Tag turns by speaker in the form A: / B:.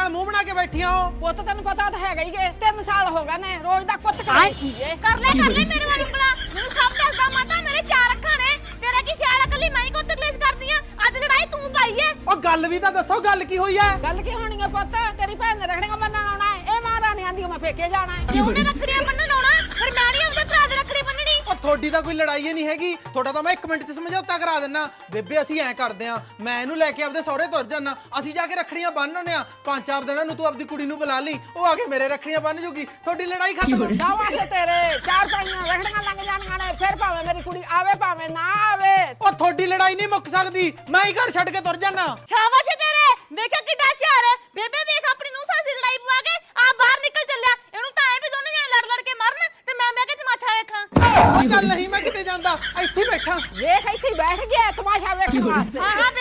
A: ਨਾਲ ਮੂੰਹ ਬਣਾ ਕੇ ਬੈਠੀਆਂ ਹੋ।
B: ਪੁੱਤ ਤੈਨੂੰ ਪਤਾ ਤਾਂ ਹੈਗਾ ਹੀ ਏ 3 ਸਾਲ ਹੋ ਗਏ ਨੇ ਰੋਜ਼ ਦਾ ਕੁੱਤ
C: ਹਾਏ।
B: ਸੀ ਏ।
C: ਕਰ ਲੈ ਮੇਰੇ ਵੱਲ ਉਂਗਲਾ ਮੈਨੂੰ ਸਭ ਦੱਸਦਾ ਮਾਤਾ ਮੇਰੇ 4 ਅੱਖਾਂ ਨੇ ਤੇਰਾ ਕੀ ਖਿਆਲ ਹੈ ਕੱਲੀ ਮੈਂ ਹੀ ਕੁੱਤ ਕਲੇਸ਼ ਕਰਦੀ ਆ ਅੱਜ ਲੜਾਈ ਤੂੰ ਪਾਈ ਏ
A: ਉਹ ਗੱਲ ਵੀ ਤਾਂ ਦੱਸੋ ਗੱਲ ਕੀ ਹੋਈ ਐ?
B: ਗੱਲ ਕੀ ਹੋਣੀ ਏ ਪੁੱਤ ਤੇਰੀ ਭੈਣ ਨੇ ਰੱਖੜੀਆਂ ਬੰਨਣ ਆਉਣਾ ਏ ਇਹ ਮਹਾਰਾਣੀ ਆਂਦੀ ਮੈਂ ਫੇਕੇ ਜਾਣਾ ਏ
C: ਜੇ ਉਹਨੇ ਰੱਖੜੀਆਂ ਬੰਨਣ ਆਉਣਾ ਫਿਰ ਮੈਂ ਨਹੀਂ ਉਹਦੇ ਭਰਾ ਦੇ ਰੱਖੜੀ ਬੰਨਣੀ
A: ਉਹ ਤੁਹਾਡੀ ਤਾਂ ਕੋਈ ਲੜਾਈ ਹੀ ਨਹੀਂ ਹੈਗੀ। ਤੁਹਾਡਾ ਤਾਂ ਮੈਂ 1 ਮਿੰਟ 'ਚ ਸਮਝੌਤਾ ਕਰਾ ਦਿੰਨਾ। ਬੇਬੇ ਅਸੀਂ ਐਂ ਕਰਦੇ ਆਂ ਮੈਂ ਇਹਨੂੰ ਲੈ ਕੇ ਆਪਦੇ ਸਹੁਰੇ ਤੁਰ ਜਾਨਾ ਅਸੀਂ ਜਾ ਕੇ ਰੱਖੜੀਆਂ ਬੰਨ੍ਹ ਆਉਂਦੇ ਆਂ 5-4 ਦਿਨਾਂ ਨੂੰ ਤੂੰ ਆਪਦੀ ਕੁੜੀ ਨੂੰ ਬੁਲਾ ਲਈ ਉਹ ਆ ਕੇ ਮੇਰੇ ਰੱਖੜੀਆਂ ਬੰਨ੍ਹ ਜੂਗੀ ਤੁਹਾਡੀ ਲੜਾਈ ਖਤਮ।
B: ਸ਼ਾਬਾਸ਼ ਤੇਰੇ 4-5 ਰੱਖੜੀਆਂ ਲੰਘ ਜਾਣੀਆਂ ਨੇ ਫਿਰ ਭਾਵੇਂ ਮੇਰੀ ਕੁੜੀ ਆਵੇ ਭਾਵੇਂ ਨਾ ਆਵੇ।
A: ਉਹ ਤੁਹਾਡੀ ਲੜਾਈ ਨਹੀਂ ਮੁੱਕ ਸਕਦੀ ਮੈਂ ਹੀ ਘਰ ਛੱਡ ਕੇ ਤੁਰ ਜਾਨਾ।
C: ਸ਼ਾਬਾਸ਼ ਏ ਤੇਰੇ ਵੇਖਿਆ ਕਿੱਡਾ ਹੁਸ਼ਿਆਰ ਹੈ ਬੇਬੇ ਵੇਖ ਆਪਣੀ ਨੂੰ ਸਾਸੀ ਲੜਾਈ ਪਵਾ ਕੇ ਆ ਬਾਹਰ ਨਿਕਲ ਚੱਲਿਆ ਇਹਨੂੰ ਤਾਂ ਐ ਵੀ ਦੋਨੇ ਜਣੇ ਲੜ ਲੜ ਕੇ ਮਰਨ ਤੇ ਮੈਂ ਕੇ ਤਮਾਸ਼ਾ ਵੇਖਾਂ
A: ਉਹ ਚੱਲ ਨਹੀਂ ਮੈਂ ਕਿਤੇ ਜਾਂਦਾ ਇੱਥੇ ਹੀ ਬੈਠਾ।
B: ਵੇਖ ਇੱਥੇ ਹੀ ਬੈਠ ਗਿਆ ਤਮਾਸ਼ਾ ਵੇਖਣ ਵਾਸਤੇ।
C: ਹਾਂ